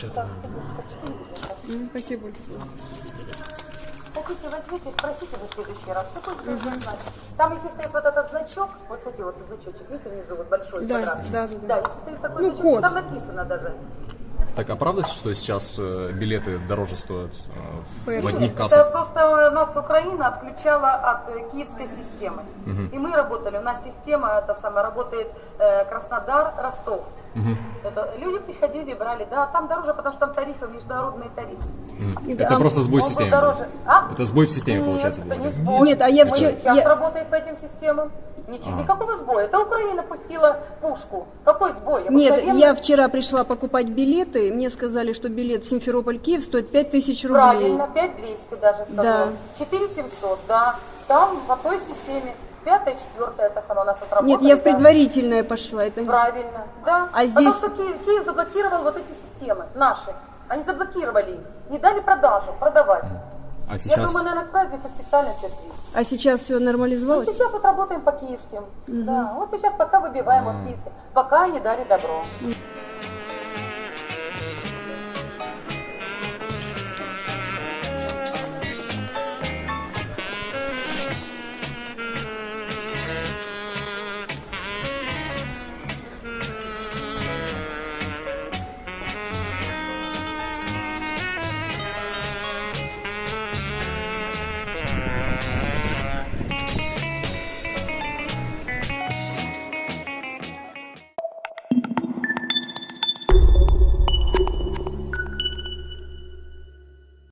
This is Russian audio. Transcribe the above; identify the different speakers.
Speaker 1: распечатано.
Speaker 2: Спасибо большое.
Speaker 3: Хотите, возьмите, спросите в следующий раз. Что будет значит? Там, если стоит вот этот значок, вот смотрите, вот значочек, видите, внизу вот большой
Speaker 2: Да,
Speaker 3: квадрат.
Speaker 2: да.
Speaker 3: Да, если стоит такой
Speaker 2: Ну,
Speaker 3: значок,
Speaker 2: код.
Speaker 3: там написано даже.
Speaker 1: Так, а правда, что сейчас билеты дороже стоят в одних
Speaker 3: Это
Speaker 1: кассах?
Speaker 3: просто нас Украина отключала от киевской системы. И мы работали, у нас система, это самое, работает Краснодар, Ростов. Это люди приходили, брали, да, там дороже, потому что там тарифы, международные тарифы.
Speaker 1: Это просто сбой
Speaker 3: Он был
Speaker 1: системы.
Speaker 3: дороже. А?
Speaker 1: Это сбой в системе,
Speaker 3: Нет,
Speaker 1: получается,
Speaker 3: это
Speaker 1: был.
Speaker 3: не сбой.
Speaker 2: Нет, а я
Speaker 3: Мы
Speaker 2: вчера-
Speaker 3: сейчас
Speaker 2: я-
Speaker 3: работаем по этим системам. Ничего, никакого сбоя. Это Украина пустила пушку. Какой сбой?
Speaker 2: Нет,
Speaker 3: Обыкновенный.
Speaker 2: я вчера пришла покупать билеты, мне сказали, что билет Симферополь-Киев стоит 5000 рублей.
Speaker 3: Правильно, 5200 даже сказал.
Speaker 2: Да.
Speaker 3: 4700, да. Там по той системе. 5-я, 4-я, это сама у нас тут работает.
Speaker 2: Нет, я в
Speaker 3: да.
Speaker 2: предварительное пошла. Это...
Speaker 3: Правильно, да.
Speaker 2: А здесь-
Speaker 3: Потому что Киев заблокировал вот эти системы, наши. Они заблокировали их, не дали продажу, продавать.
Speaker 1: А
Speaker 3: Я
Speaker 1: сейчас...
Speaker 3: думаю, наверное, к празднику специально все отвезли.
Speaker 2: А сейчас все
Speaker 3: Ну,
Speaker 2: нормализовалось?
Speaker 3: сейчас вот работаем по киевским. Да, вот сейчас пока выбиваем вот киевским. Пока не дали добро.